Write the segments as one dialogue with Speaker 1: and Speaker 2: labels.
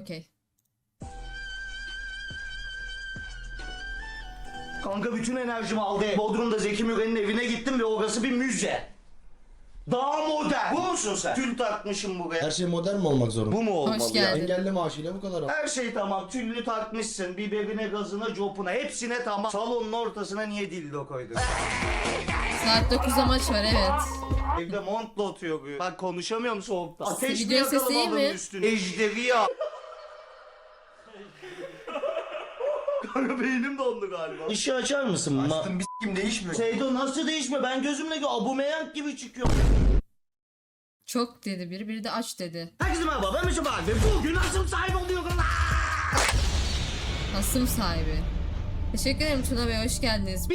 Speaker 1: okey.
Speaker 2: Kanka bütün enerjimi aldı. Bodrum'da Zeki Müren'in evine gittim ve orası bir müze. Daha modern. Bu musun sen? Tül takmışım buraya.
Speaker 3: Her şey modern mi olmak zorunda?
Speaker 2: Bu mu olmalı
Speaker 1: Hoş
Speaker 2: ya?
Speaker 1: geldin.
Speaker 3: Engelli maaşıyla bu kadar.
Speaker 2: Her şey tamam. Tüllü takmışsın. Biberine, gazına, copuna. Hepsine tamam. Salonun ortasına niye dildo koydun?
Speaker 1: Saat 9'da maç var, evet.
Speaker 2: Evde montla oturuyor. Bak konuşamıyorum soğukta. Ateş mi
Speaker 1: Video sesi
Speaker 2: yakalım
Speaker 1: iyi
Speaker 2: adamın
Speaker 1: mi?
Speaker 2: üstüne? Ejderi ya. Kanka beynim dondu galiba. İşi açar mısın?
Speaker 3: Açtım bir s**kim değişmiyor.
Speaker 2: Seydo nasıl değişmiyor? Ben gözümle Aubameyang gibi çıkıyor.
Speaker 1: Çok dedi biri, biri de aç dedi.
Speaker 2: Herkese merhaba, ben Mesut abi. Bugün asım sahibi oluyorum.
Speaker 1: Hasım sahibi. Teşekkür ederim Tuna Bey, hoş geldiniz.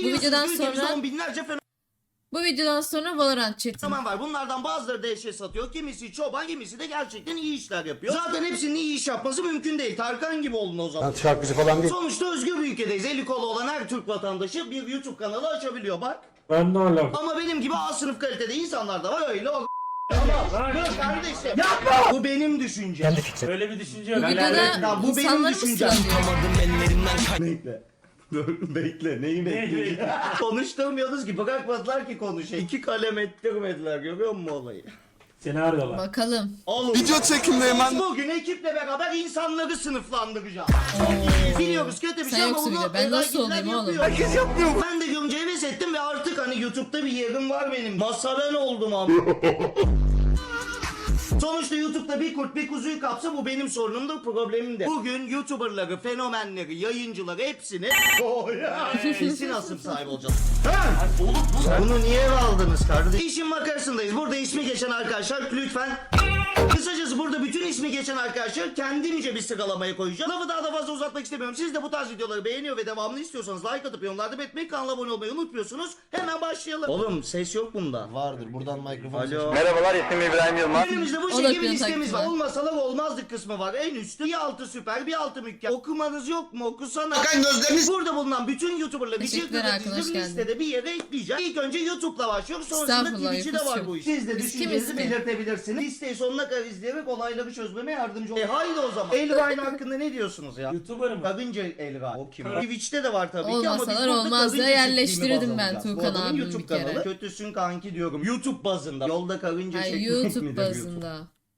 Speaker 1: Bu videodan sonra Valorant chat'i.
Speaker 2: Tamam var. Bunlardan bazıları da eşya satıyor. Kimisi çoban, kimisi de gerçekten iyi işler yapıyor. Zaten hepsinin iyi iş yapması mümkün değil. Tarkan gibi olun o zaman.
Speaker 3: Şarkıcı falan değil.
Speaker 2: Sonuçta özgür bir ülkedeyiz. Eli kolu olan her Türk vatandaşı bir YouTube kanalı açabiliyor bak.
Speaker 3: Ben ne alaka?
Speaker 2: Ama benim gibi A sınıf kalitede insanlar da var. Öyle o Dur kardeşim. Yapma. Bu benim düşüncem.
Speaker 4: Öyle bir düşünce
Speaker 1: Bu
Speaker 4: yok.
Speaker 1: videoda
Speaker 2: bu benim
Speaker 1: insanları mı
Speaker 2: düşüncem.
Speaker 1: sıralıyor?
Speaker 2: Bekle. Dur bekle. Neyi bekleyeceğim? Konuşturmuyoruz ki. Bırakmadılar ki konuşayım. 2 kalem ettirmediler. Görüyor musun olayı?
Speaker 4: Seni arıyorlar.
Speaker 1: Bakalım.
Speaker 2: Oğlum.
Speaker 3: Video çekimdeyim ben.
Speaker 2: Bugün ekiple beraber insanları sınıflandıracağım. Çok iyiyiz. Biliyoruz kötü bir
Speaker 1: Sen
Speaker 2: şey ama
Speaker 1: yoksun
Speaker 2: bunu
Speaker 1: bile. Ben nasıl
Speaker 2: rakipler
Speaker 1: olayım oğlum?
Speaker 2: yapıyor. Herkes yapmıyor. Ben de görünce heves ettim ve artık hani YouTube'da bir yerim var benim. Masa ben oldum ama. Sonuçta YouTube'da bir kurt bir kuzuyu kapsa bu benim sorunumdur, problemim de. Bugün YouTuber'ları, fenomenleri, yayıncıları hepsini kesin asım sahibi olacağız. Bunu niye eve aldınız kardeşim? İşin makarasındayız. Burada ismi geçen arkadaşlar lütfen. Kısacası burada bütün ismi geçen arkadaşlar kendimce bir sıralamaya koyacağım. Lafı daha da fazla uzatmak istemiyorum. Siz de bu tarz videoları beğeniyor ve devamını istiyorsanız like atıp yorumlarda belirtmeyi, kanala abone olmayı unutmuyorsunuz. Hemen başlayalım. Oğlum ses yok bunda.
Speaker 3: Vardır buradan mikrofon.
Speaker 2: Alo.
Speaker 5: Merhabalar, ismim İbrahim Yılmaz.
Speaker 2: Önümüzde bu
Speaker 1: O da
Speaker 2: şekilde bir
Speaker 1: piyon
Speaker 2: listemiz
Speaker 1: taktiği
Speaker 2: var.
Speaker 1: var.
Speaker 2: Olmasalar olmazdık kısmı var. En üstte bir altı süper, bir altı mükemmel. Okumanız yok mu? Okusana. Burada bulunan bütün YouTuber'ları bir
Speaker 1: Teşekkürler arkadaş,
Speaker 2: dizdim
Speaker 1: geldin.
Speaker 2: listede bir yere ekleyeceğim. İlk önce YouTube'la başlıyoruz. Sonrasında
Speaker 1: Estağfurullah,
Speaker 2: Twitch'i de var
Speaker 1: yapıştır.
Speaker 2: bu iş. Siz de
Speaker 1: Biz
Speaker 2: düşüncenizi
Speaker 1: kimiz ki?
Speaker 2: belirtebilirsiniz. Listeyi sonuna kadar izleyerek olayları çözmeme yardımcı olun. Haydi o zaman. Elrine hakkında ne diyorsunuz ya?
Speaker 4: YouTuber mı?
Speaker 2: Karınca Elrine. O kim? Twitch'te de var tabii ki ama biz
Speaker 1: Olmasalar
Speaker 2: burada
Speaker 1: olmaz
Speaker 2: karınca
Speaker 1: da yerleştirirdim
Speaker 2: çiftliğini
Speaker 1: ben
Speaker 2: baz alacağız.
Speaker 1: Tuğkan
Speaker 2: Bu adamın
Speaker 1: abimi
Speaker 2: YouTube
Speaker 1: bir kere.
Speaker 2: kanalı. Kötüsün kanki diyorum. YouTube bazında. Yolda karınca
Speaker 1: Hayır,
Speaker 2: çekmek
Speaker 1: YouTube
Speaker 2: midir
Speaker 1: bazında.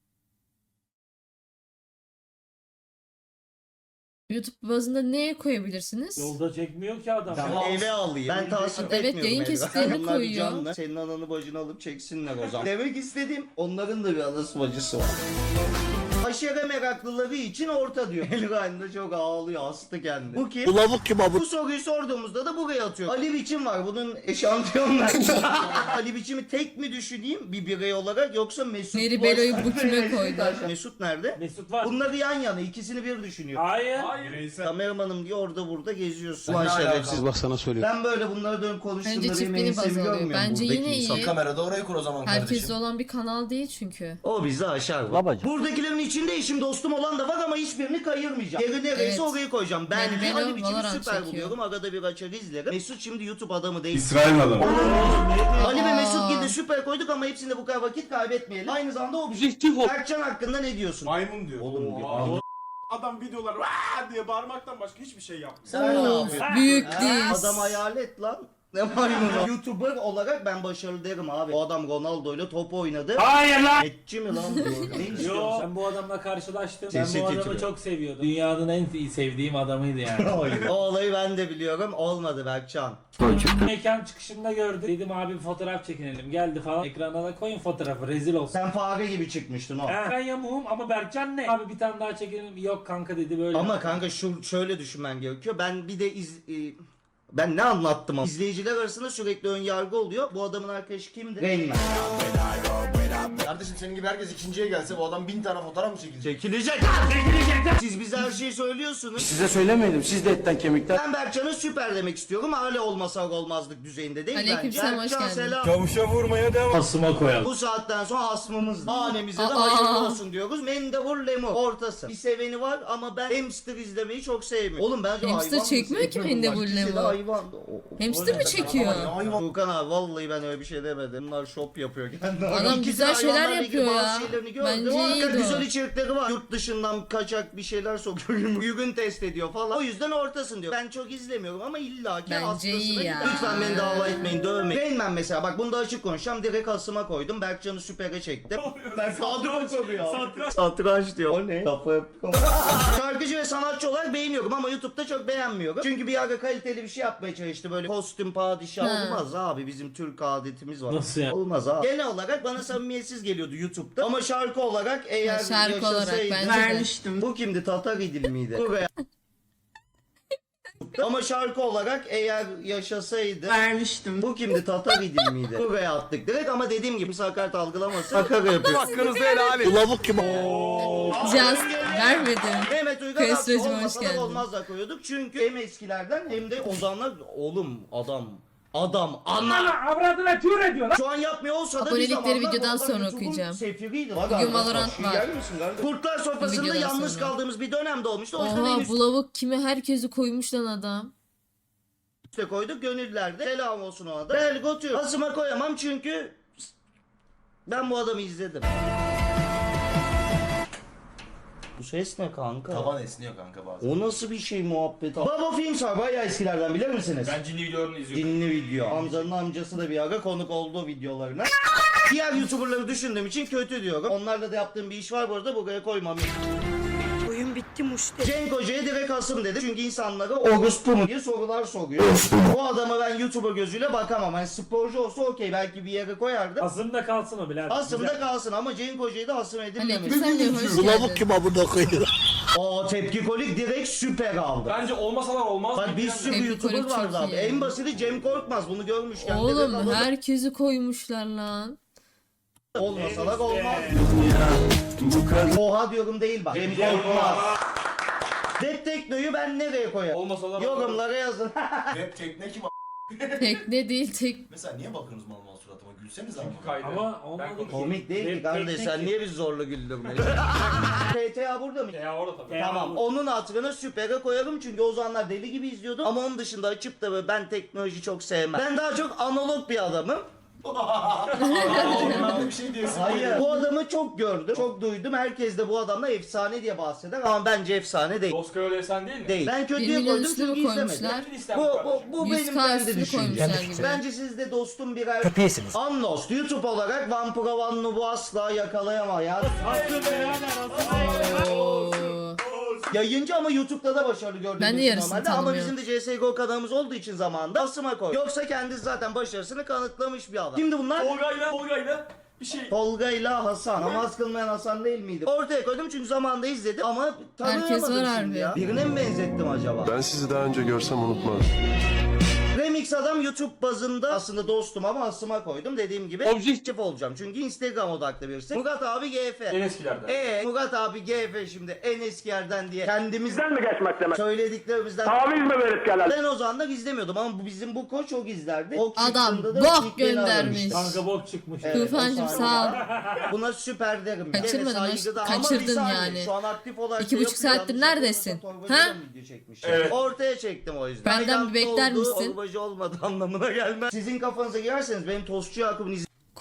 Speaker 1: YouTube bazında neye koyabilirsiniz?
Speaker 4: Yolda çekmiyor ki adam.
Speaker 2: Tamam, eve alayım. Ben tasvip
Speaker 1: Evet,
Speaker 2: etmiyorum.
Speaker 1: yayın
Speaker 2: Elra.
Speaker 1: kesitlerini
Speaker 2: Onlar
Speaker 1: koyuyor.
Speaker 2: canlı. Senin ananı bacını alıp çeksinler o zaman. Demek istediğim onların da bir anası bacısı var. Aşere meraklıları için orta diyor. Elrain de çok ağlıyor, hastı kendini. Bu kim?
Speaker 3: Bulavuk kim abi?
Speaker 2: Bu soruyu sorduğumuzda da buraya atıyor. Ali Biçim var, bunun eşantiyonları. Ali Biçim'i tek mi düşüneyim bir birey olarak yoksa Mesut
Speaker 1: Meri
Speaker 2: mu?
Speaker 1: Belo'yu bu kime koydu?
Speaker 2: Mesut nerede?
Speaker 4: Mesut var.
Speaker 2: Bunları yan yana, ikisini bir düşünüyor.
Speaker 4: Hayır.
Speaker 2: Kameramanım diye orada burada geziyorsun. Ulan şerefsiz.
Speaker 3: Bak sana söylüyorum.
Speaker 2: Ben böyle bunları dönüp
Speaker 1: Bence
Speaker 2: konuştuğumda benim
Speaker 1: çiftliğini
Speaker 2: ensemi
Speaker 1: baz alıyor.
Speaker 2: görmüyor
Speaker 1: Bence
Speaker 2: buradaki
Speaker 1: yine
Speaker 2: insan.
Speaker 1: iyi.
Speaker 3: Kamerada orayı kur o zaman
Speaker 1: Herkeste
Speaker 3: kardeşim.
Speaker 1: olan bir kanal değil çünkü.
Speaker 2: O bizi aşar.
Speaker 5: Babacım.
Speaker 2: Buradakilerin içinde eşim dostum olan da var ama hiçbirini kayırmayacağım. Yeri neresi
Speaker 1: Evet.
Speaker 2: orayı koyacağım. Ben
Speaker 1: Yani
Speaker 2: de
Speaker 1: ben
Speaker 2: Ali
Speaker 1: o
Speaker 2: Biçim'i
Speaker 1: Valorant
Speaker 2: süper
Speaker 1: çekiyor.
Speaker 2: buluyorum. Arada bir açar izlerim. Mesut şimdi YouTube adamı değil.
Speaker 6: İsrail adamı.
Speaker 2: Ali ve
Speaker 1: Aa.
Speaker 2: Mesut gibi süper koyduk ama hepsinde bu kadar vakit kaybetmeyelim. Aynı zamanda objektif ol. Berkcan hakkında ne diyorsun?
Speaker 6: Maymun diyor.
Speaker 2: Oğlum diyor.
Speaker 6: Aa, adam videolar "Vaa!" diye bağırmaktan başka hiçbir şey yapmıyor.
Speaker 2: Sen ne
Speaker 1: Of,
Speaker 2: yapıyorsun?
Speaker 1: büyük
Speaker 2: Ha,
Speaker 1: diz.
Speaker 2: Adam hayalet lan. Ne maymunu? YouTuber olarak ben başarılı derim abi. O adam Ronaldo ile top oynadı.
Speaker 4: Hayır lan.
Speaker 2: Etçi mi lan diyor. Ne
Speaker 4: Yo,
Speaker 2: istiyorsun?
Speaker 4: ben bu adamla karşılaştım. Ben
Speaker 2: Sesi
Speaker 4: bu adamı
Speaker 2: titriyor.
Speaker 4: çok seviyordum. Dünyanın en iyi sevdiğim adamıydı yani.
Speaker 2: O olayı ben de biliyorum. Olmadı Berkcan.
Speaker 4: Mekan çıkışında gördüm. Dedim abi bir fotoğraf çekinelim. Geldi falan. Ekrana da koyun fotoğrafı. Rezil olsun.
Speaker 2: Sen fare gibi çıkmıştın o.
Speaker 4: Ben yamuğum ama Berkcan ne? Abi bir tane daha çekinelim. Yok kanka dedi böyle.
Speaker 2: Ama kanka şöyle düşünmen gerekiyor. Ben bir de ben ne anlattım ama. İzleyiciler arasında sürekli ön yargı oluyor. Bu adamın arkadaşı kimdi? Rain Man.
Speaker 3: Kardeşim senin gibi herkes ikinciye gelse bu adam 1000 tane fotoğraf mı çekilecek?
Speaker 2: Çekilecek. Siz bize her şeyi söylüyorsunuz.
Speaker 5: Size söylemedim. Siz de etten kemikten.
Speaker 2: Ben Berkcan'a süper demek istiyorum. Hala olmasa olmazlık düzeyinde değil
Speaker 1: Aleykümselam, hoş
Speaker 2: Berkcan
Speaker 1: geldin.
Speaker 2: selam.
Speaker 6: Kavuşa vurmaya devam.
Speaker 4: Asıma koyalım.
Speaker 2: Bu saatten sonra hasmımız. Hanemize de
Speaker 1: Aa.
Speaker 2: hayırlı olsun diyoruz. Mendebur lemur. Ortası. Bir seveni var ama ben hamster izlemeyi çok sevmiyorum. Oğlum bence
Speaker 1: Hamster
Speaker 2: hayvan
Speaker 1: çekmiyor
Speaker 2: mısın?
Speaker 1: ki Mendebur
Speaker 2: İkisi de
Speaker 1: lemur.
Speaker 2: hayvan.
Speaker 1: Hamster mi çekiyor?
Speaker 2: Furkan abi vallahi ben öyle bir şey demedim. Bunlar şop yapıyor kendi.
Speaker 1: Adam
Speaker 2: İkisi
Speaker 1: güzel
Speaker 2: hayvan
Speaker 1: şeyler
Speaker 2: zamanlarla ilgili
Speaker 1: yapıyor
Speaker 2: bazı
Speaker 1: ya.
Speaker 2: şeylerini gördüm.
Speaker 1: Bence
Speaker 2: O
Speaker 1: iyiydi
Speaker 2: arada
Speaker 1: o.
Speaker 2: güzel içerikleri var. Yurt dışından kaçak bir şeyler sokuyor. Ürün test ediyor falan. O yüzden ortasın diyor. Ben çok izlemiyorum ama illaki
Speaker 1: Bence
Speaker 2: hastasına
Speaker 1: iyi
Speaker 2: gidiyor.
Speaker 1: ya.
Speaker 2: Lütfen beni dava etmeyin, dövmeyin. Rain Man mesela bak bunda açık konuşacağım. Direkt Asım'a koydum. Berkcan'ı süpere çektim. Ben kadro koruyor. Satranç diyor. O ne? Kafa Şarkıcı ve sanatçı olarak beğeniyorum ama YouTube'da çok beğenmiyorum. Çünkü bir ara kaliteli bir şey yapmaya çalıştı. Böyle kostüm padişah
Speaker 1: Ha.
Speaker 2: olmaz abi. Bizim Türk adetimiz var.
Speaker 4: Nasıl ya?
Speaker 2: Olmaz abi. Genel olarak bana samimiyetsiz geliyordu YouTube'da. Ama şarkı olarak eğer
Speaker 1: Şarkı olarak
Speaker 2: yaşasaydı.
Speaker 1: bence de.
Speaker 2: Bu kimdi? Tatar İdil miydi? Buraya. Ama şarkı olarak eğer yaşasaydı
Speaker 7: Vermiştim.
Speaker 2: bu kimdi? Tatar İdil miydi? Buraya attık direkt ama dediğim gibi sakat algılamasın. Şaka yapıyor.
Speaker 5: Hakkınızı helal edin. Lavuk kim?
Speaker 1: Caz vermedim.
Speaker 2: Mehmet Uygar
Speaker 1: Kıyas
Speaker 2: Aksu
Speaker 1: Recep, hoş
Speaker 2: olmasa da
Speaker 1: geldin.
Speaker 2: olmaz da koyuyorduk. Çünkü hem eskilerden hem de ozanlar oğlum adam ana.
Speaker 4: Avradına tür ediyor lan.
Speaker 2: Şu an yapmıyor olsa da bir
Speaker 1: Abonelikleri
Speaker 2: zamanlar
Speaker 1: videodan
Speaker 2: onlar
Speaker 1: sonra
Speaker 2: YouTube'un
Speaker 1: okuyacağım.
Speaker 2: sefiriydi.
Speaker 1: Bugün Valorant var.
Speaker 2: Kurtlar sofrasında
Speaker 1: Videodan
Speaker 2: yalnız
Speaker 1: sonra.
Speaker 2: kaldığımız bir dönemde olmuştu. O yüzden en
Speaker 1: Oha
Speaker 2: üst
Speaker 1: bu lavuk kime herkesi koymuş lan adam.
Speaker 2: üste koyduk. Gönüllerde selam olsun ona da. Belgotu. Asıma koyamam çünkü ben bu adamı izledim. Bu ses ne kanka?
Speaker 3: Taban esniyor kanka bazen.
Speaker 2: O nasıl bir şey muhabbet? Baba Films var bayağı eskilerden bilir misiniz?
Speaker 6: Ben cinli videolarını izliyorum.
Speaker 2: Cinli video. Hamza'nın amcası da bir ara konuk oldu videolarına. Diğer YouTuber'ları düşündüğüm için kötü diyorum. Onlarla da yaptığım bir iş var bu arada buraya koymam.
Speaker 7: Oyun bitti muşte.
Speaker 2: Cenk Hoca'ya direkt asım dedi. Çünkü insanlara orospu mu diye sorular soruyor. Bu adama ben YouTuber gözüyle bakamam. Yani sporcu olsa okey belki bir yere koyardı.
Speaker 4: Asımda kalsın o birader.
Speaker 2: Asımda kalsın ama Cenk Hoca'yı da asım edilmemiş.
Speaker 1: Aleyküm sen de hoş
Speaker 5: Lavuk
Speaker 1: geldin.
Speaker 5: kim abone koyuyor?
Speaker 2: O tepki kolik direkt süper aldı.
Speaker 6: Bence olmasalar olmaz.
Speaker 2: Bak bir sürü
Speaker 1: Tepki
Speaker 2: YouTuber
Speaker 1: kolik çok
Speaker 2: vardı abi.
Speaker 1: iyi.
Speaker 2: En basiti Cem Korkmaz bunu görmüşken. direkt
Speaker 1: Oğlum
Speaker 2: alalım.
Speaker 1: herkesi koymuşlar lan.
Speaker 2: Olmasalar olmaz. Oha diyorum değil bak. Cem Korkmaz. Dep Tekno'yu ben nereye koyarım?
Speaker 6: Olmasalar
Speaker 2: Yorumlara yazın.
Speaker 3: Rap tekne kim
Speaker 1: Tekne değil tek.
Speaker 3: Mesela niye bakıyorsunuz mal mal suratıma? Gülseniz ama.
Speaker 6: kaydı.
Speaker 4: Ama olmadı ki.
Speaker 2: Komik değil ki
Speaker 4: Rap
Speaker 2: kardeş
Speaker 4: teknik
Speaker 2: sen
Speaker 4: ki.
Speaker 2: niye bizi zorla güldürmüyorsun? PTA burada mı?
Speaker 6: Ya orada tabii.
Speaker 2: Tamam onun hatırına süpere koyarım çünkü o zamanlar deli gibi izliyordum ama onun dışında açıp da böyle ben teknoloji çok sevmem. Ben daha çok analog bir adamım.
Speaker 3: Bir şey diyorsun.
Speaker 2: Hayır. Bu adamı çok gördüm, çok duydum. Herkes de bu adamla efsane diye bahseder ama bence efsane değil.
Speaker 6: Oscar öyle sen değil mi?
Speaker 2: Değil. Ben
Speaker 1: 1
Speaker 2: kötüye
Speaker 1: milyon
Speaker 2: koydum
Speaker 1: üstüne
Speaker 2: çünkü
Speaker 1: mi
Speaker 2: izlemedim.
Speaker 1: koymuşlar?
Speaker 6: Bütün listem
Speaker 2: Bu,
Speaker 6: bu
Speaker 2: bu,
Speaker 6: kardeşim.
Speaker 2: bu
Speaker 1: 100
Speaker 2: benim
Speaker 1: K
Speaker 2: kendi
Speaker 1: üstünü
Speaker 2: düşüncem.
Speaker 1: koymuşlar gibi.
Speaker 2: Bence siz de dostum birer
Speaker 5: Köpeğisiniz.
Speaker 2: Unlost. YouTube olarak Vampura Van Nub'u asla yakalayamaz ya.
Speaker 1: Oo.
Speaker 2: Yayıncı ama YouTube'da da başarılı gördüğümüz
Speaker 1: Ben de yarısını
Speaker 2: normalde. Ama
Speaker 1: tanımıyorum.
Speaker 2: bizim de CSGO kanalımız olduğu için zamanında Asım'a koy. Yoksa kendisi zaten başarısını kanıtlamış bir adam. Şimdi bunlar
Speaker 6: Tolga'yla bir şey.
Speaker 2: Tolga ile Hasan. Namaz kılmayan Hasan değil miydi? Ortaya koydum çünkü zamanında izledim ama
Speaker 1: Herkes
Speaker 2: tanıyamadım
Speaker 1: var
Speaker 2: şimdi
Speaker 1: harbi.
Speaker 2: ya. Birine mi benzettim acaba?
Speaker 8: Ben sizi daha önce görsem unutmam.
Speaker 2: Remix adam YouTube bazında aslında dostum ama Asım'a koydum. Dediğim gibi objektif olacağım. Çünkü Instagram odaklı birisi. Murat abi GF.
Speaker 6: En eskilerden.
Speaker 2: Murat abi GF şimdi en eski yerden diye kendimizden
Speaker 5: mi geçmek demek?
Speaker 2: söylediklerimizden
Speaker 5: Taviz mi verip gelen?
Speaker 2: ben o zaman da izlemiyordum ama bu bizim bu koç çok izlerdi. O
Speaker 1: Adam
Speaker 2: çıktığında da
Speaker 1: bok
Speaker 2: ilk beni
Speaker 1: göndermiş.
Speaker 2: aramıştı.
Speaker 4: Kanka bok çıkmış.
Speaker 2: Evet,
Speaker 1: Tufancım
Speaker 2: o
Speaker 1: sağ ol.
Speaker 2: Buna süper derim. Gene
Speaker 1: Kaçırmadın,
Speaker 2: saygıda ama
Speaker 1: kaçırdın
Speaker 2: bir saniye,
Speaker 1: yani.
Speaker 2: Şu an aktif olarak
Speaker 1: 2,5
Speaker 2: şey yapıyor.
Speaker 1: saattir
Speaker 2: Yanlış
Speaker 1: neredesin?
Speaker 2: yapıyorsam
Speaker 1: Ha?
Speaker 2: torbacıdan video çekmişim.
Speaker 6: Evet.
Speaker 2: Ortaya çektim o yüzden.
Speaker 1: Benden
Speaker 2: Tayland'da
Speaker 1: bir bekler
Speaker 2: olduğu
Speaker 1: misin?
Speaker 2: Torbacı olmadı anlamına gelmez. Sizin kafanıza girerseniz benim Tostçu Yakup'un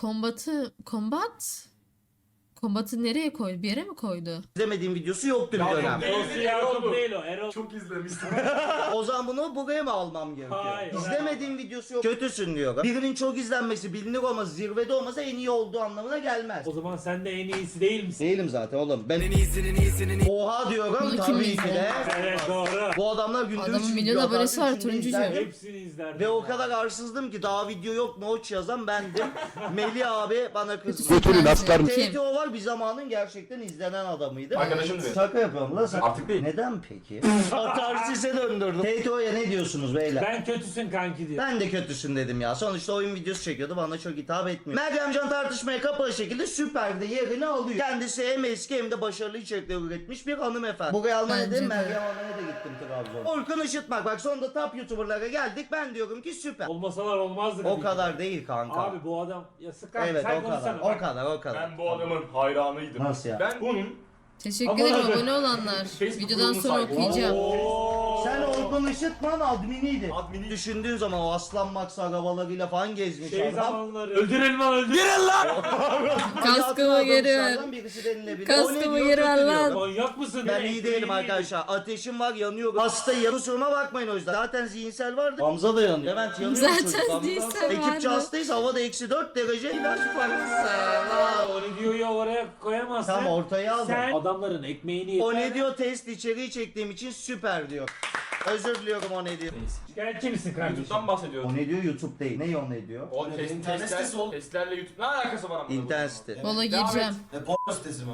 Speaker 1: Kombatı nereye koydu? Bir yere mi koydu?
Speaker 2: izlemediğim videosu yoktu bir dönem.
Speaker 4: Dostu Yakup değil o. Erol.
Speaker 6: Çok izlemiştim.
Speaker 2: O zaman bunu buraya mı almam gerekiyor?
Speaker 4: Hayır.
Speaker 2: İzlemediğim videosu yok. Kötüsün diyor. Birinin çok izlenmesi, bilinir olması, zirvede olması en iyi olduğu anlamına gelmez.
Speaker 4: O zaman sen de en iyisi değil misin?
Speaker 2: Değilim zaten oğlum. Ben Oha diyorum
Speaker 1: Bunu kim
Speaker 2: tabii ki
Speaker 1: izler?
Speaker 2: de.
Speaker 4: Evet doğru.
Speaker 2: Bu adamlar günde
Speaker 1: Adamın
Speaker 2: 3
Speaker 1: milyon
Speaker 2: video
Speaker 1: abonesi
Speaker 2: atardı,
Speaker 1: var,
Speaker 2: üçünü
Speaker 1: turuncucu.
Speaker 2: izlerdim.
Speaker 4: Hepsini izlerdim.
Speaker 2: Ve o kadar arsızdım ki daha video yok noç yazan bendim. Melih abi bana kızdı.
Speaker 1: Kötüsün
Speaker 5: Götürün
Speaker 1: bence.
Speaker 5: aslanım.
Speaker 1: Kim?
Speaker 2: TTO var bir zamanın gerçekten izlenen adamıydı.
Speaker 6: Arkadaşım diyor.
Speaker 2: Şaka yapıyorum lan sen.
Speaker 6: Artık değil.
Speaker 2: Neden peki? Atarsis'e döndürdüm. TTO'ya ne diyorsunuz beyler?
Speaker 4: Ben kötüsün kanki diyor.
Speaker 2: Ben de kötüsün dedim ya. Sonuçta oyun videosu çekiyordu. Bana çok hitap etmiyor. Meryemcan tartışmaya kapalı şekilde Süper'de yerini alıyor. Kendisi hem eski hem de başarılı içerikler üretmiş bir hanımefendi. Buraya almaya
Speaker 1: Bence
Speaker 2: dedim.
Speaker 1: de.
Speaker 2: Meryem Hanım'a da gittim Trabzon'a. Orkun Işıtmak. Bak sonunda top YouTuber'lara geldik. Ben diyorum ki süper.
Speaker 4: Olmasalar olmazdı.
Speaker 2: O
Speaker 4: tabii
Speaker 2: kadar
Speaker 4: ki.
Speaker 2: değil kanka.
Speaker 4: Abi bu adam ya sıkar.
Speaker 2: Evet
Speaker 4: sen
Speaker 2: o kadar.
Speaker 4: konuşsana.
Speaker 2: O
Speaker 4: Bak.
Speaker 2: kadar o kadar.
Speaker 6: Ben bu adamın hayranıydım.
Speaker 2: Nasıl ya?
Speaker 6: Ben bunun
Speaker 1: Teşekkür ederim
Speaker 4: Abone-
Speaker 1: abone olanlar.
Speaker 6: Facebook
Speaker 1: Videodan
Speaker 6: grubunu
Speaker 1: sonra
Speaker 6: saygı-
Speaker 1: okuyacağım.
Speaker 4: Oo.
Speaker 2: Sen Orkun Işıtman adminiydi.
Speaker 6: Admini-
Speaker 2: Düşündüğün zaman o Aslan Max arabalarıyla falan gezmiş adam.
Speaker 4: zamanları. Öldürelim lan öldürelim.
Speaker 1: Kaskımı geri ver.
Speaker 2: Dostlardan birisi denilebilir.
Speaker 1: Kaskımı
Speaker 2: O ne diyor,
Speaker 1: geri ver
Speaker 2: kötü
Speaker 1: lan.
Speaker 2: diyor.
Speaker 4: Manyak mısın?
Speaker 2: Ben iyi değilim arkadaşlar. Ateşim var, yanıyorum. Hastayım. Kusuruma bakmayın o yüzden. Zaten zihinsel vardı. Hamza da yanıyor. Levent yanıyor.
Speaker 1: Zaten
Speaker 2: çocuk. Hamza-
Speaker 1: zihinsel
Speaker 2: Ekipçe
Speaker 1: vardı.
Speaker 2: hastayız. Havada -4 derece. İlaç parası.
Speaker 4: O ne diyor ya oraya koyamazsın.
Speaker 2: Tam ortaya aldım.
Speaker 4: Sen adamların ekmeğini
Speaker 2: O ne diyor, test içeriği çektiğim için süper diyor. Özür diliyorum, o ne diyor.
Speaker 4: Şikayetçi misin kardeşim?
Speaker 6: YouTube'dan bahsediyoruz.
Speaker 2: O ne diyor, YouTube değil. Ne o ne diyor?
Speaker 6: O
Speaker 3: İnternet sitesi oğlum.
Speaker 6: testlerle YouTube ne alakası var ama?
Speaker 2: İnternet site.
Speaker 1: Valla gireceğim.
Speaker 3: Porno sitesi mi?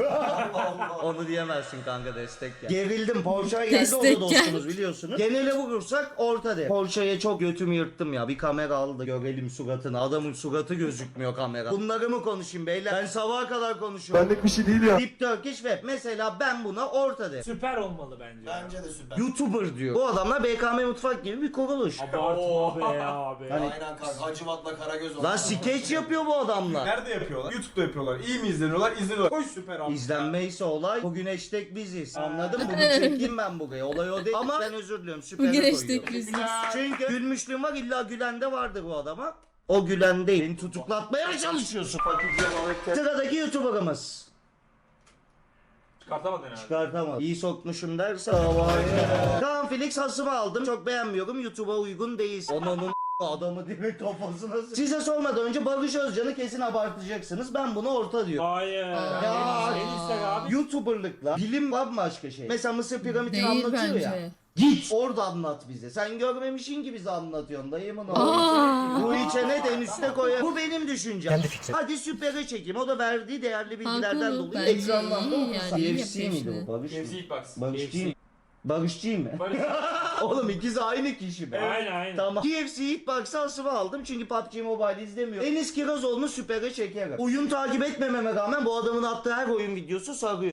Speaker 2: Onu diyemezsin kanka, destek ya. Gerildim, Porsche'ya geldi, o da
Speaker 1: Destek
Speaker 2: dostumuz biliyorsunuz. Genele vurursak orta de. Porsche'ye çok götümü yırttım ya. Bir kamera aldı, görelim suratını. Adamın suratı gözükmüyor kamera. Bunları mı konuşayım beyler? Ben sabaha kadar konuşuyorum.
Speaker 8: Benlik bir şey değil ya.
Speaker 2: Deep Turkish Web. Mesela ben buna orta de.
Speaker 4: Süper olmalı bence.
Speaker 3: Bence de süper.
Speaker 2: YouTuber diyor. Bu adamlar BKM Mutfak gibi bir kuruluş.
Speaker 4: Abartma be abi.
Speaker 2: Hani-
Speaker 3: Aynen kanka. Hacivat'la Karagöz
Speaker 2: Lan skeç yapıyor bu adamlar.
Speaker 6: Nerede yapıyorlar? YouTube'da yapıyorlar. İyi mi izleniyorlar? İzleniyorlar. Koş süper abi.
Speaker 2: İzlenmeyse olay, bugün hashtag biziz. Anladın mı? Bunu çekeyim ben buraya. Olay o değil. Ama ben özür diliyorum. Süper'e
Speaker 1: Bugün
Speaker 2: koyuyorum.
Speaker 1: hashtag biziz.
Speaker 2: Çünkü gülmüşlüğüm var, illa gülen de vardır bu adama. O gülen değil. Beni tutuklatmaya mı çalışıyorsun? Sıradaki YouTuber'ımız.
Speaker 6: Çıkartamadın herhalde.
Speaker 2: Çıkartamaz. İyi sokmuşum derse havaya. Kaan Felix hasımı aldım. Çok beğenmiyorum. YouTube'a uygun değil. Onun adamı direkt kafasına Size sormadan önce Barış Özcan'ı kesin abartacaksınız. Ben bunu orta diyorum.
Speaker 4: Hayır.
Speaker 2: Ya.
Speaker 4: En istek abi.
Speaker 2: YouTuber'lıkla bilim bambaşka şey. Mesela Mısır piramitini
Speaker 1: Değil
Speaker 2: anlatıyor ya.
Speaker 1: bence.
Speaker 2: Git orada anlat bize. Sen görmemişsin ki bize anlatıyorsun dayımın oğlu.
Speaker 1: Aa.
Speaker 2: Bu içene de en üste koyar. Bu benim düşüncem. Hadi süpere çekeyim. O da verdiği değerli bilgilerden
Speaker 1: Haklı,
Speaker 2: dolayı
Speaker 1: bence
Speaker 2: ekranlandı.
Speaker 1: iyi yani, iyi
Speaker 2: CFC
Speaker 1: yapıyor
Speaker 2: miydi
Speaker 1: işini.
Speaker 2: bu? Barış mı?
Speaker 6: Hepsi ilk box.
Speaker 2: Barışçı mı? Barışçı mı? Oğlum ikisi aynı kişi be.
Speaker 4: Aynen.
Speaker 2: Tamam. KFC ilk box'ı asıma aldım çünkü PUBG Mobile izlemiyorum. Enis Kirazoğlu'nu süpere çekerim. Oyun takip etmememe rağmen bu adamın attığı her oyun videosu sarıyor.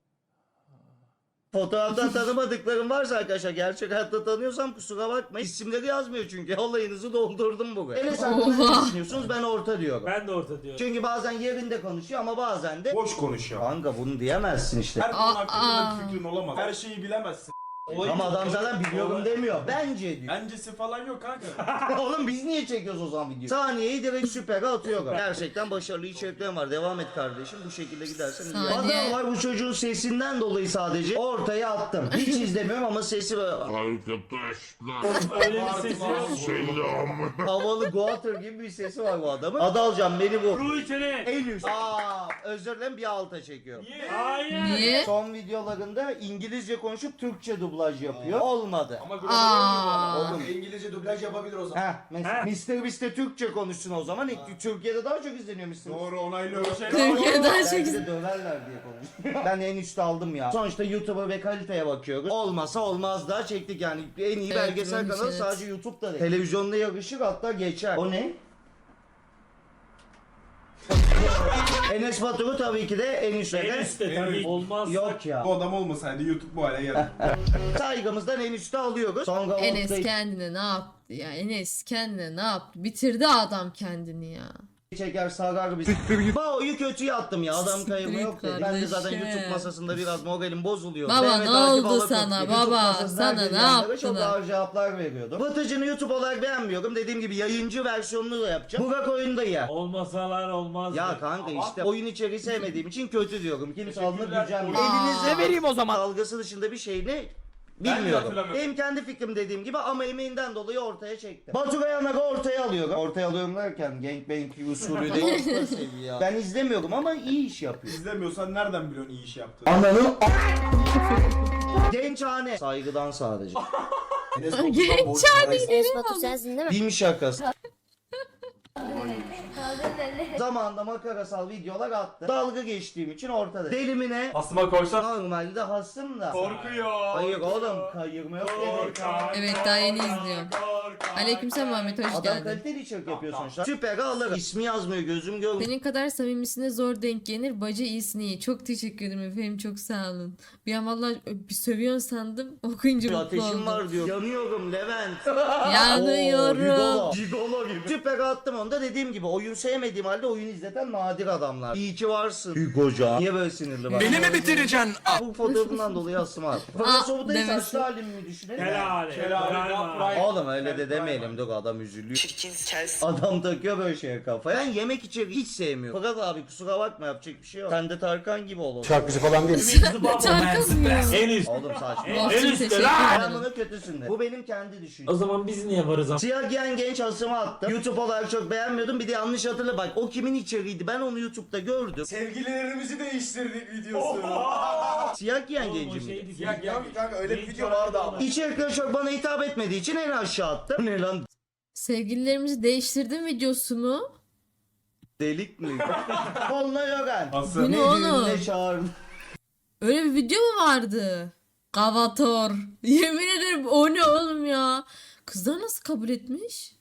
Speaker 2: Fotoğraftan tanımadıklarım varsa arkadaşlar, gerçek hayatta tanıyorsam kusura bakmayın. İsimleri yazmıyor çünkü. Olayınızı doldurdum buraya. Enes hakkında ne
Speaker 1: Oha.
Speaker 2: düşünüyorsunuz? Ben orta diyorum.
Speaker 4: Ben de orta diyorum.
Speaker 2: Çünkü bazen yerinde konuşuyor ama bazen de
Speaker 6: Boş konuşuyor.
Speaker 2: kanka bunu diyemezsin işte.
Speaker 6: Her konu hakkında
Speaker 1: Aa.
Speaker 6: bir fikrin olamaz. Her şeyi bilemezsin. Olayı
Speaker 2: Ama adam zaten biliyorum demiyor. Bence diyor.
Speaker 6: Bencesi falan yok kanka.
Speaker 2: Oğlum biz niye çekiyoruz o zaman videoyu? Saniyeyi direkt süpere atıyorum. Gerçekten başarılı içeriklerim var. Devam et kardeşim. Bu şekilde gidersen iyi.
Speaker 1: Saniye.
Speaker 2: Adam var, bu çocuğun sesinden dolayı sadece ortaya attım. Hiç izlemiyorum ama sesi böyle
Speaker 4: Öyle bir ses yok.
Speaker 2: havalı Goater gibi bir sesi var bu adamın. Adalcan beni bu.
Speaker 4: Ruh içine.
Speaker 2: En üst. Özür dilerim, bir alta çekiyorum.
Speaker 4: Hayır.
Speaker 1: Niye?
Speaker 2: Son videolarında İngilizce konuşup Türkçe dublaj yapıyor. Olmadı.
Speaker 6: Ama global oynuyor bu adam.
Speaker 2: Oğlum.
Speaker 3: İngilizce dublaj yapabilir o zaman.
Speaker 2: Heh, mesela Mr. Beast'te Türkçe konuşsun o zaman. Türkiye'de daha çok izleniyor Mr. Beast.
Speaker 6: Doğru onaylıyorum.
Speaker 1: Türkiye'den
Speaker 2: Belki
Speaker 1: çeksin.
Speaker 2: de döverler diye konuşuyor. Ben en üstte aldım ya. Sonuçta YouTube'a ve kaliteye bakıyoruz. Olmasa olmaz daha çektik yani. En iyi
Speaker 1: Evet,
Speaker 2: belgesel
Speaker 1: buymuş,
Speaker 2: kanalı
Speaker 1: evet.
Speaker 2: sadece YouTube'da değil. Televizyonda yakışır, hatta geçer. O ne? Enes Batur'u tabii ki de en
Speaker 4: En
Speaker 2: üstte.
Speaker 4: üstte tabii. Olmaz.
Speaker 2: Yok ya.
Speaker 6: Bu adam olmasaydı YouTube bu hale geldi.
Speaker 2: Saygımızdan en üstte alıyoruz. Sonra
Speaker 1: Enes
Speaker 2: ortayı
Speaker 1: kendine ne yaptı ya? Enes kendine ne yaptı? Bitirdi adam kendini ya.
Speaker 2: çeker, sarar bizi. Bao'yu kötüye attım ya. Adam kayırma
Speaker 1: Siktir
Speaker 2: yok
Speaker 1: git
Speaker 2: dedi. Ben de zaten
Speaker 1: kardeşim.
Speaker 2: YouTube masasında biraz moralim bozuluyor.
Speaker 1: Baba,
Speaker 2: Mehmet
Speaker 1: ne
Speaker 2: Akif
Speaker 1: oldu
Speaker 2: Alaturk
Speaker 1: sana?
Speaker 2: gibi YouTube
Speaker 1: Baba,
Speaker 2: masasında
Speaker 1: sana
Speaker 2: herkes
Speaker 1: ne
Speaker 2: yanlara Çok
Speaker 1: yaptılar?
Speaker 2: ağır cevaplar veriyordum. Batıcı'nı YouTube olarak beğenmiyorum. Dediğim gibi yayıncı versiyonunu da yapacağım. Burak oyunda ya.
Speaker 4: Olmasalar olmaz.
Speaker 2: Ya kanka işte oyun içeriği sevmediğim için kötü diyorum. Kimse alınıp
Speaker 6: Teşekkürler.
Speaker 2: gücenmiyor.
Speaker 1: Aa.
Speaker 2: Elinize
Speaker 5: vereyim o zaman.
Speaker 2: dalgası dışında bir şeyini
Speaker 6: Ben de
Speaker 2: bilmiyorum.
Speaker 6: hatırlamıyorum.
Speaker 2: Benim kendi fikrim dediğim gibi ama emeğinden dolayı ortaya çektim. Batu Kayanak'ı ortaya alıyorum. Ortaya alıyorum derken gangbang usulü değil. Orta seviye. Ben izlemiyorum ama iyi iş yapıyor.
Speaker 6: İzlemiyorsan nereden biliyorsun iyi iş yaptığını?
Speaker 2: Ananı Gençhane. Saygıdan sadece.
Speaker 3: Enes Batur'dan borç parayı
Speaker 7: Enes Batur sensin değil mi?
Speaker 2: Değil mi şakası? Zamanında makarasal videolar attı. Dalga geçtiğim için ortada. Delimine
Speaker 6: Aslıma koysan
Speaker 2: normalde hassım da.
Speaker 6: korkuyor.
Speaker 2: Hayır oğlum, kayırma yok dedim.
Speaker 1: Evet, daha yeni izliyorum. Aleykümselam Muhammed, hoş
Speaker 2: Adam
Speaker 1: geldin.
Speaker 2: kaliteli içerik yapıyor sonuçta. Süper alırım. İsmi yazmıyor, gözüm görmüyor.
Speaker 1: Senin kadar samimisine zor denk gelir. Bacı iyisin iyi. Çok teşekkür ederim efendim. Çok sağ olun. Bir an valla bir sövüyorsun sandım. Okuyunca mutlu
Speaker 2: Ateşim
Speaker 1: oldum.
Speaker 2: var diyor. Yanıyorum Levent.
Speaker 1: Yanıyorum.
Speaker 2: Gigolo gibi. Süper attım onu da dediğim gibi oyun sevmediğim halde oyun izleten nadir adamlar. İyi ki varsın. Hugoca. Niye böyle sinirli bak?
Speaker 5: Beni mi bitireceksin?
Speaker 2: Bu fotoğrafından dolayı asım var. Fakat Sobutay'ın
Speaker 1: demesi.
Speaker 2: saçlı halimi mi düşünelim?
Speaker 4: Helal.
Speaker 2: Oğlum öyle de demeyelim, dur adam üzülüyor. Adam takıyor böyle şeye kafaya. Ben yemek içeri hiç sevmiyorum. Fakat abi kusura bakma, yapacak bir şey yok. Sen de Tarkan gibi olalım.
Speaker 5: Şarkıcı falan değil.
Speaker 1: Tarkan mı?
Speaker 4: En üst.
Speaker 2: Oğlum saçma.
Speaker 1: Olsun, teşekkür
Speaker 2: Ben
Speaker 1: ederim.
Speaker 2: bunu kötüsün de. Bu benim kendi düşüncem.
Speaker 4: O zaman biz niye varız ama?
Speaker 2: Siyah giyen genç asımı attım. YouTube olarak çok beğenmiyordum. Bir de yanlış hatırla bak. O kimin içeriğiydi? Ben onu YouTube'da gördüm.
Speaker 3: Sevgililerimizi değiştirdik videosu.
Speaker 2: Siyah giyen
Speaker 4: Bu
Speaker 2: genci mi?
Speaker 4: şeydi.
Speaker 3: Ya kanka öyle bir video vardı ama.
Speaker 2: İçerikler çok bana hitap etmediği için en aşağı attım. Ne lan?
Speaker 1: Sevgililerimizi değiştirdim videosu mu?
Speaker 2: Delik mi? Onunla yogan.
Speaker 1: Bu ne oğlum?
Speaker 2: Ne çağırdı?
Speaker 1: Öyle bir video mu vardı? Gavator. Yemin ederim o ne oğlum ya? Kızlar nasıl kabul etmiş?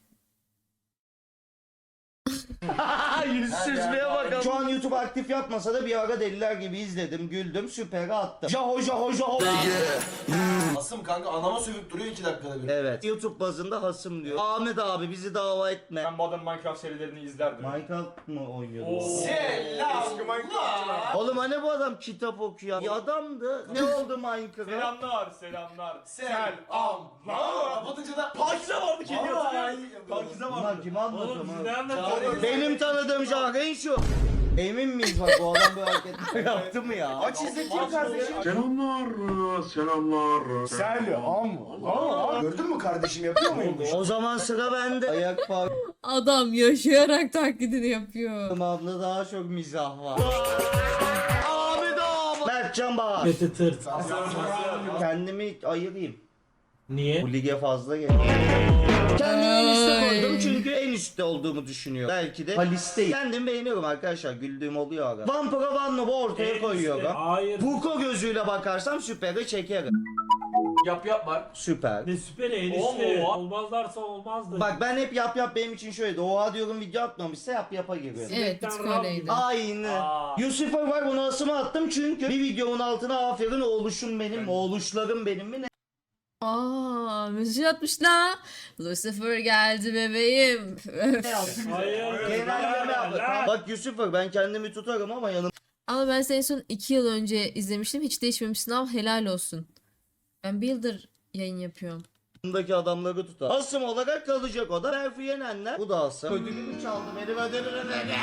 Speaker 2: Yüzsüzlüğe bakalım. Şu an YouTube aktif yapmasa da bir ara deliler gibi izledim, güldüm, süperi attım. Jaho jaho jaho.
Speaker 3: Asım kanka anama sövüp duruyor 2 dakikada bir.
Speaker 2: Evet. YouTube bazında hasım diyor. Ahmet abi bizi dava etme.
Speaker 6: Ben Modern Minecraft serilerini izlerdim.
Speaker 2: Minecraft mı oynuyordu?
Speaker 3: Selam.
Speaker 6: Eski Minecraft'çılar.
Speaker 2: Oğlum hani bu adam kitap okuyor? Bir adamdı. Ne oldu Minecraft?
Speaker 6: Selamlar, selamlar.
Speaker 3: Selam. Kapatınca da Pakize vardı kendi hatırlıyor. Pakize
Speaker 2: Bunlar
Speaker 3: vardı.
Speaker 2: kim anlatıyor
Speaker 4: Oğlum
Speaker 2: lan?
Speaker 4: siz ne anlatıyorsunuz?
Speaker 2: Benim tanıdığım Jaren şu. Emin miyiz bak bu adam bu hareketleri yaptı mı ya?
Speaker 3: Aç izleteyim kardeşim.
Speaker 8: Selamlar, selamlar.
Speaker 3: Selam. Gördün mü kardeşim yapıyor muyum?
Speaker 2: O zaman sıra bende. Ayak
Speaker 1: Adam yaşayarak taklidini yapıyor.
Speaker 2: parmağımda daha çok mizah var. Ahmet abi. Mertcan Bahar.
Speaker 4: Kötü tırt.
Speaker 2: Kendimi ayırayım.
Speaker 4: Niye?
Speaker 2: Bu lige fazla geliyor. Kendimi en üstte
Speaker 1: Ay.
Speaker 2: koydum çünkü en üstte olduğumu düşünüyorum. Belki de halisteyim. Kendimi beğeniyorum arkadaşlar. Güldüğüm oluyor aga. Vampira Van Noob'u ortaya koyuyorum.
Speaker 4: Hayır.
Speaker 2: Puko gözüyle bakarsam süperi çekerim.
Speaker 3: Yap var.
Speaker 2: Süper.
Speaker 4: Ne süper en üstte. Olmazlarsa olmazdı.
Speaker 2: Bak ben hep yap benim için şöyle. Oha diyorum video atmamışsa yapa giriyorum.
Speaker 1: Evet, bir tık öyleydi.
Speaker 2: Aynı. Lucifer var, bunu asıma attım çünkü bir videomun altına aferin oğluşum benim, oğluşlarım benim mi ne?
Speaker 1: Aa, mesaj atmış la. Lucifer geldi bebeğim.
Speaker 4: Hayır.
Speaker 2: Genelleme yaptı. Bak Lucifer ben kendimi tutarım ama
Speaker 1: Ama ben seni son 2 yıl önce izlemiştim. Hiç değişmemişsin ama helal olsun. Ben bir yıldır yayın yapıyorum.
Speaker 2: yanımdaki adamları tutar. Asım olarak kalacak o da. Berfi Yenenler. Bu da asım. Ödülümü çaldı. Benim ödülümü ver.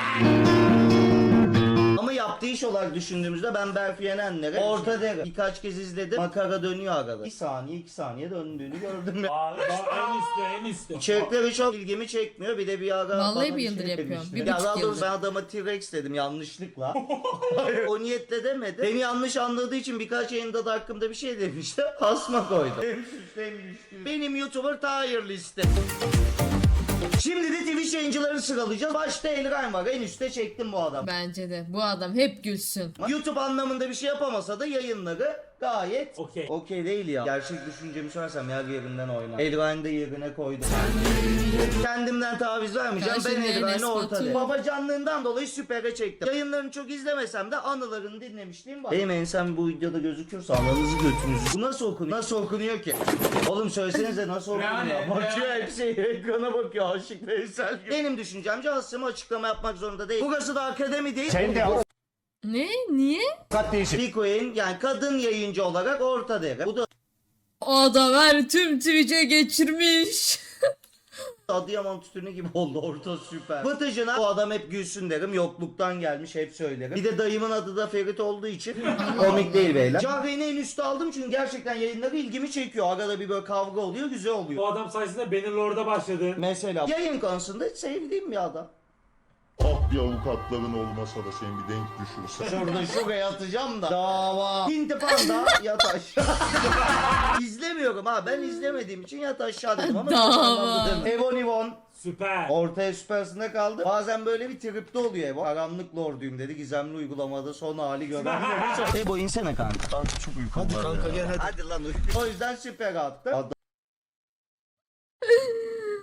Speaker 2: Ama yaptığı iş olarak düşündüğümüzde ben Berfi Yenenler'e orta derim. Birkaç kez izledim. Makara dönüyor arada. 2 saniye döndüğünü gördüm ya.
Speaker 4: En üstte.
Speaker 2: İçerikleri çok ilgimi çekmiyor. Bir de bir ara
Speaker 1: Vallahi
Speaker 2: bana
Speaker 1: bir yıldır yapıyorum.
Speaker 2: demişti.
Speaker 1: 1,5
Speaker 2: Ya daha doğrusu
Speaker 1: yıldır.
Speaker 2: ben adama T-Rex dedim yanlışlıkla. Hayır, o niyetle demedi. Beni yanlış anladığı için birkaç yayında da hakkımda bir şey demişti. Asma koydum. Hem suçlu hem ilişkili. Benim YouTuber tier liste. Şimdi de Twitch yayıncıları sıralayacağız. Başta Elrain var. En üstte çektim bu adam.
Speaker 1: Bence de. Bu adam hep gülsün.
Speaker 2: YouTube anlamında bir şey yapamasa da yayınları gayet
Speaker 4: Okey.
Speaker 2: okey değil ya. Gerçek düşüncemi söylersem yer yerinden oynar. Elrain'i de yerine koydum. Kendimden taviz vermeyeceğim.
Speaker 1: Karşımda
Speaker 2: Ben Elrain'i
Speaker 1: Enes
Speaker 2: ortada.
Speaker 1: Batur.
Speaker 2: Babacanlığından dolayı süpere çektim. Yayınlarını çok izlemesem de anılarını dinlemişliğim var. Benim ensem bu videoda gözüküyorsa ananızı götünüzü. Bu nasıl okunuyor? Nasıl okunuyor ki? Oğlum söylesenize nasıl okunuyor? Bakıyor hepsi ekrana bakıyor. Aşık Veysel gibi. Benim düşüncemce aslında açıklama yapmak zorunda değil. Burası da akademi değil.
Speaker 1: Ne? Niye?
Speaker 2: Biko'nun yani kadın yayıncı olarak orta değer. Bu da
Speaker 1: O adam her tüm Twitch'e geçirmiş.
Speaker 2: Adıyaman tütünü gibi oldu, orta süper. Vıtıcına bu adam hep gülsün derim, yokluktan gelmiş hep söylerim. Bir de dayımın adı da Ferit olduğu için komik değil beyler. Cahreyn'i en üstte aldım çünkü gerçekten yayınları ilgimi çekiyor. Arada bir böyle kavga oluyor, güzel oluyor.
Speaker 4: Bu adam sayesinde Bannerlord'a başladı.
Speaker 2: Mesela yayın konusunda sevdiğim bir adam.
Speaker 8: Ah bir avukatların olmasa da seni bir denk düşürse.
Speaker 2: Şurada şuraya atacağım da. Dava. Hinti Panda yat aşağı. İzlemiyorum ha, ben izlemediğim için yat aşağı dedim ama
Speaker 1: Dava.
Speaker 2: çok anlamlı değil mi? Evon Ivon.
Speaker 4: Süper.
Speaker 2: Ortaya süpersinde kaldı. Bazen böyle bir tripte oluyor Evo. Karanlık lorduyum dedi. Gizemli uygulamada son hali gören. Ebo insene kanka.
Speaker 8: Kanka çok uykum var ya.
Speaker 2: Hadi lan uyu. O yüzden süper attı.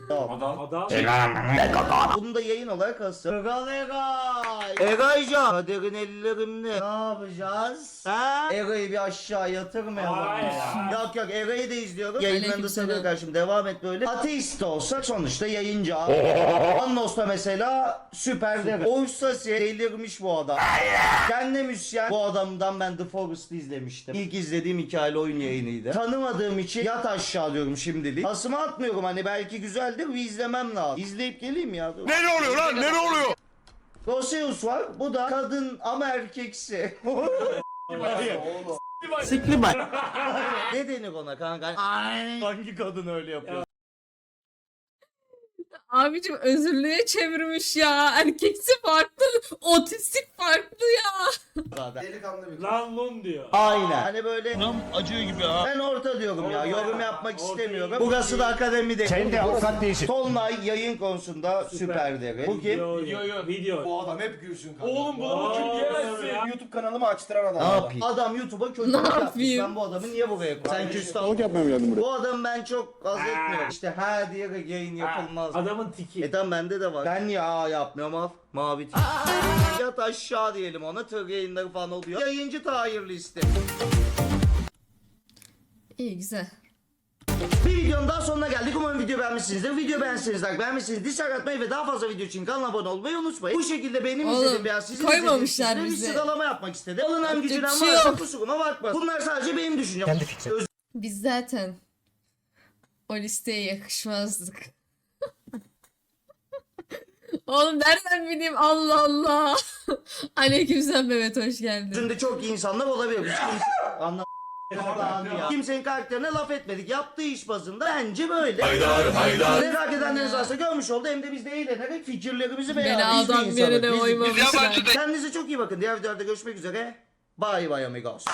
Speaker 4: Adam.
Speaker 2: Bunu da yayın olarak asıl. Egaycan. Kaderin ellerimle. Ne yapacağız? Ha? Ega'yı bir aşağı yatırmayalım.
Speaker 4: Hayır.
Speaker 2: Yok yok, Ega'yı da izliyorum. Yayınlarında
Speaker 1: Aleykümselam.
Speaker 2: seviyor karşım. Devam et böyle. Ateist de olsak sonuçta yayıncı abi. Annos da mesela süper derim. Orsasi delirmiş bu adam. Kendine müzisyen. Bu adamdan ben The Forest'ı izlemiştim. İlk izlediğim hikayeli oyun yayınıydı. Tanımadığım için yat aşağı diyorum şimdilik. Asımı atmıyorum, hani belki güzeldir, bir izlemem lazım. İzleyip geleyim ya. Dur.
Speaker 5: Ne oluyor lan? Ne oluyor?
Speaker 2: Roseus var. Bu da kadın ama erkeksi.
Speaker 5: Sikli bak.
Speaker 2: Ne denir ona kanka? Hangi kadın öyle yapıyor?
Speaker 1: Abicim özürlüğe çevirmiş ya. Erkeksi farklı, otistik farklı ya.
Speaker 2: Zaten.
Speaker 3: Delikanlı bir kız.
Speaker 4: Lan lun diyor.
Speaker 2: Aynen. Hani böyle
Speaker 5: Acıyor gibi ha.
Speaker 2: ben orta diyorum ya. Yorum yapmak istemiyorum. Burası da akademide.
Speaker 5: Sen de avukat değilsin.
Speaker 2: Tolunay yayın konusunda süper deri. Bu kim?
Speaker 4: Video.
Speaker 3: Bu adam hep gülsün kanka.
Speaker 6: Oğlum bunu kim diyemezsin.
Speaker 4: Ya.
Speaker 3: YouTube kanalımı açtıran adam.
Speaker 2: Ne yapayım? Adam YouTube'a kötü
Speaker 1: Ne
Speaker 2: yapmış.
Speaker 1: yapayım?
Speaker 2: Ben bu adamı niye buraya koydum? Sen küstah.
Speaker 8: yapmaya geldim buraya.
Speaker 2: Bu adam ben çok haz etmiyorum. İşte ha diye yayın yapılmaz.
Speaker 4: Adamın tiki.
Speaker 2: Tamam, bende de var. Ben ya yapmıyorum al. Mavi tik. Yat aşağı diyelim ona. Tır yayınları falan oluyor. Yayıncı Tahir listi.
Speaker 1: İyi güzel.
Speaker 2: Bir videonun daha sonuna geldik. Umarım video beğenmişsinizdir. Video beğenmişsinizdir. Beğenmişsiniz. Dislike atmayı ve daha fazla video için kanala abone olmayı unutmayın. Bu şekilde benim
Speaker 1: Oğlum,
Speaker 2: izlediğim veya sizin
Speaker 1: koymamışlar
Speaker 2: izlediğiniz
Speaker 1: bize.
Speaker 2: bir sıralama yapmak istedim. Alınan
Speaker 1: Yapacak
Speaker 2: gücünen
Speaker 1: bir şey
Speaker 2: varsa
Speaker 1: yok.
Speaker 2: kusuruma bakma. Bunlar sadece benim düşüncem.
Speaker 1: Biz zaten o listeye yakışmazdık. Oğlum nereden bileyim, Allah Allah. Aleykümselam Mehmet, hoş geldin.
Speaker 2: Özünde çok iyi insanlar olabilir. Biz kimse... Ya. Kimsenin karakterine laf etmedik. Yaptığı iş bazında bence böyle. Merak edenleriniz varsa görmüş oldu. Hem de biz de eğlenerek fikirlerimizi
Speaker 1: Beni
Speaker 2: beraber
Speaker 1: adam
Speaker 2: biz
Speaker 1: yerine
Speaker 2: insanız.
Speaker 1: oymamışlar.
Speaker 2: Kendinize çok iyi bakın. Diğer videolarda görüşmek üzere. Bye bye amigos.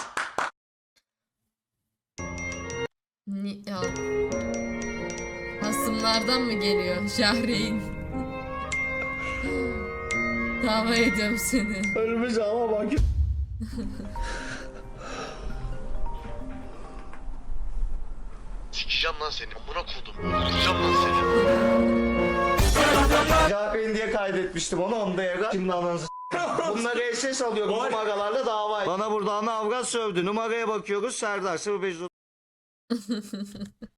Speaker 1: Ya. Hasımlardan mı geliyor Şahreyn? Dava ediyorum seni.
Speaker 2: Ölmüş ama bak.
Speaker 5: Sikeceğim lan seni. Amına kodum. Öldüreceğim lan seni.
Speaker 2: Cahreyn diye kaydetmiştim onu da yaga. Şimdi ananızı bunları SS alıyorum numaralarla dava. Bana burada ana avrat sövdü. Numaraya bakıyoruz. Serdar 05